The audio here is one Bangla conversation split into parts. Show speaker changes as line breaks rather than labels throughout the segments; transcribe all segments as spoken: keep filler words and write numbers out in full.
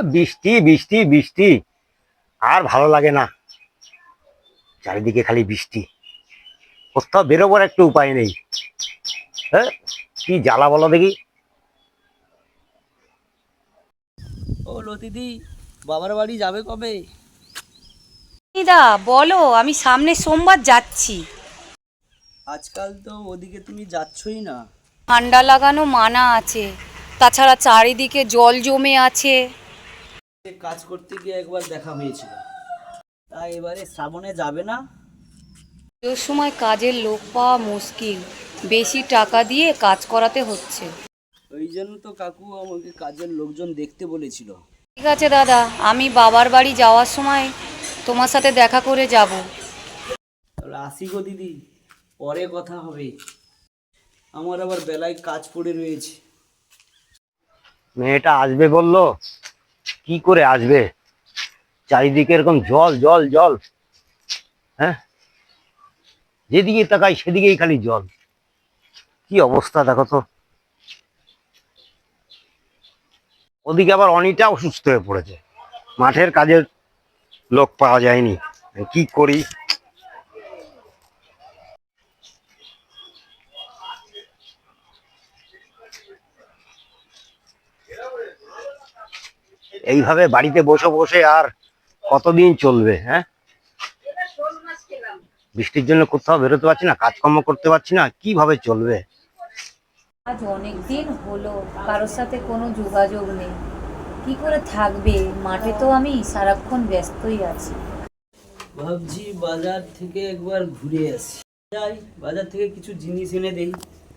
বৃষ্টি বৃষ্টি বৃষ্টি, আর ভালো লাগে না। চারিদিকে খালি বৃষ্টি, কোথাও বেরোবার একটু উপায় নেই। হ্যাঁ, কি জ্বালা বলো দেখি।
ও লতিদি, বাবার বাড়ি যাবে কবে?
দা বলো, আমি সামনে সোমবার যাচ্ছি।
আজকাল তো ওদিকে তুমি যাচ্ছই না।
ঠান্ডা লাগানো মানা আছে, তাছাড়া চারিদিকে জল জমে আছে।
কাজ করতে গিয়ে একবার দেখা হয়েছিল, তাই এবারে শ্রাবণে যাবে না?
ওই সময় কাজের লোক পাওয়া মুশকিল, বেশি টাকা দিয়ে কাজ করাতে হচ্ছে।
ওই জন্য তো কাকু আমাকে কাজের লোকজন দেখতে বলেছিল।
ঠিক আছে দাদা, আমি বাবার বাড়ি যাওয়ার সময় তোমার সাথে দেখা করে যাব।
তাহলে আসি গো দিদি, পরে কথা হবে, আমার আবার বেলায় কাজ পড়ে রয়েছে।
মেয়েটা আসবে বললো, কি করে আসবে? চারিদিকে এরকম জল জল জল। হ্যাঁ, যেদিকে তাকাই সেদিকেই খালি জল। কি অবস্থা দেখো তো। ওদিকে আবার অনিটা অসুস্থ হয়ে পড়েছে, মাঠের কাজের লোক পাওয়া যায়নি। কি করি? এইভাবে বাড়িতে বসে বসে আর কতদিন চলবে? হ্যাঁ, বৃষ্টির জন্য কোথাও বেরোতে পারছি না, কাজকর্ম করতে পারছি না, কিভাবে চলবে?
আজ অনেক দিন হলো কারোর সাথে কোনো যোগাযোগ নেই, কি করে থাকবে? মাঠে তো আমি সারাক্ষণ ব্যস্তই আছি।
ভাবছি বাজার থেকে একবার ঘুরে আসি, যাই বাজার থেকে কিছু জিনিস এনে দেই।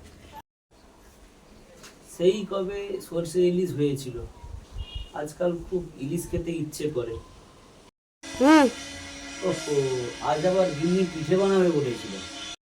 সেই কবে সরষে ইলিশ হয়েছিল, আজকাল খুব ইলিশ খেতে ইচ্ছে করে।
হুম।
ওহো, আজ আবার গিন্নি পিঠে বানাবে বলেছিল।